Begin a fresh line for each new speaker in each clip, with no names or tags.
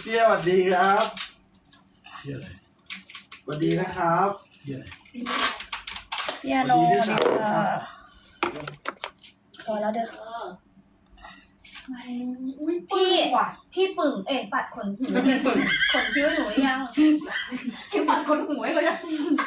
เตี้ยสวัสดีครับ
เที่ยอะไร
สวัสดีนะครับ
เที่ยอะไร
พี่อาโนเนี่ยพอแล้วเด้อพี่ปึ่งปัดขนหูขนคิ้วหนูยังพี่ปัดขนหูให้เลย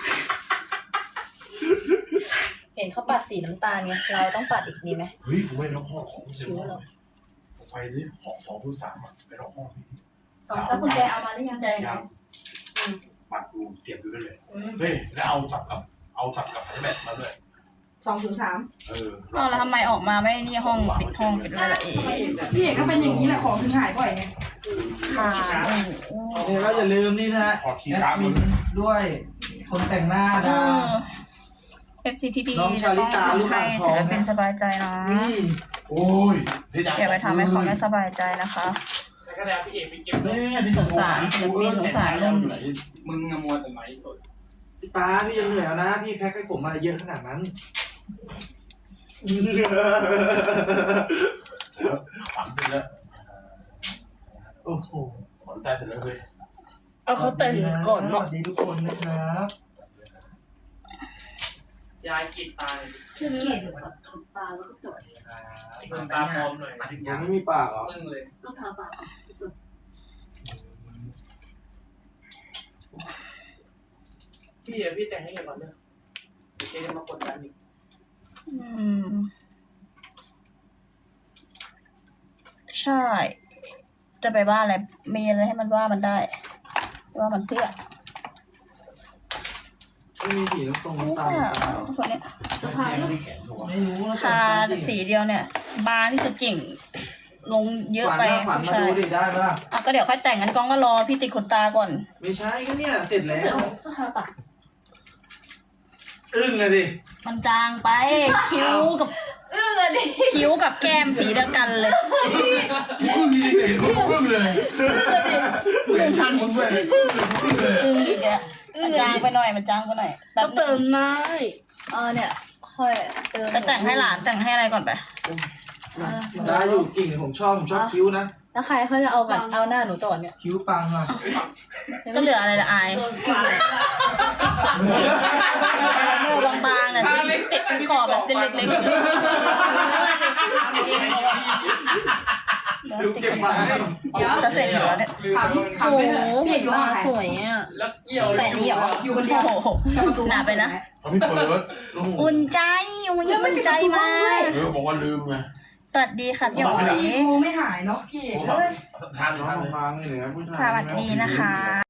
เห็นเขาปัดสีน้ำตาลไงเราต้องปัดอีกดีไหม
เฮ้ยกูไม่ล็อกห้องของ
คิ้วเหรอ
ไปนี่ของผู้สามอ่ะไปล็อกห้อง
สองแล้วกุญแจเอามาหรือยังใจ
ยังปัดกูเสียบอยู่นั่นเลยเฮ้ยแล้วเอาสับกับไอ้แบบมาด้วย
203
แล้วทำไมออกมาไม่นี่ห้องปิดห้องปิดอะไรล่ะ
พี่เอกก็เป็นอย่างนี้แหละของถึงหายบ่อยไง
ค่ะ
เนี่ยก็อย่าลืมนี่นะ
ขอคีย์
แอ
การ์
ด
ด
มิ
มัน
นด้วยคนแต่งหน้าดา
FC ที่ดี
น้องชาลิตาลูก
ให้
อ่างทอง
ศิลปินสบายใจนะ
นี่
โอ้ย
อย่าไปทำให้เขาไม่สบายใจนะคะ
แต่ก็แล้วพี่เอกไปเก็บรถ
แม่ที่สงสารลุง
มึงอะมัวแต่ไหนสด
พี่ป้าพี่ยังเหนื่อยแล้วนะพี่แพ็คให้ผมมาเยอะขนาดนั้น
ฝังเสร็จแล้ว
โอ้โห
ขนใจเสร็จแล้วเฮ้ย
เอาเขาแต่งก่อน
ส
เนาะ
วัสดีทุกคนนะครับ
ยายกรีดตาเลย
เกลียดตาแล้วก็จด
มึงตาพร้อมหน่อย
ยังไม่มีปากเหรอ
มึงเลย
ต้องทาปาก
พี่แต่งให้ก่อนเนอะเดี๋ยวเจ๊จะมากดดันอีก
ใช่ จะไปว่าอะไรมีอะไรให้มันว่ามันได้ ว่ามันเพื่อ
ไม่มีสีน้ำตรง
ไม่
น้ำตา
ใช่
ล
คนเนี้ย
ที่แขนหัว
ไม่รู้นะ
ทาสีเดียวเนี่ย บาร์ที่จะเก่ง ลงเยอะไป
ขวัญมา
ใช่
ดูดิได้ปะล่ะ
อ่ะก็เดี๋ยวค่อยแต่งกันกล้องก็รอพี่ติดขนตาก่อน
ไม่ใช่ก็เนี่ยเสร็จแล้ว
ก็ทาปาก
อึ้งเลยดิ
มันจางไป คิ้วกับคิ้วกับแก้มสีเดียวกันเลย
พึ่งเลย
ทันผมด้วย
อึ้งอีกอะมันจางไปหน่อยมันจางไปหน่อยแบบ
เติมได้
เนี่ยค่อยจะแต่งให้หลานแต่งให้อะไรก่อนไป
ได้อยู่กิ่งผมชอบคิ้วนะ
แล้วใครเขาจะเอากันเอาหน้าหนูต่อเนี่ย
คิ้วปังอ่ะ
ก็เหลืออะไรละอายเนื้อบางๆเนี่ยติดเป็นขอบแบบเส้นเล็ก
คิ้วเก็บปังให้
ๆจะเสร็จอยู่แล้วเนี่ย
ถามพี่
โอ้โห
พี่เอกอยู่
ห
ห้อ
น้าง
ไหน
สวยอ่ะ
แล้วเกี่ยว
ใส่นี่เหรอ
อยู่คนเดียว
โอ้โหหนาไปนะ
เขาไม่เปิด
อุ่นใจอุ่นใจมาก
บอกว่าลืมไง
สวัสดีค่ะพี่หอย
โทรไม่หายเนาะพี่เอก
ทาน
น้องบางนี่เหนือผู้ชาย
สวัสดีนะคะ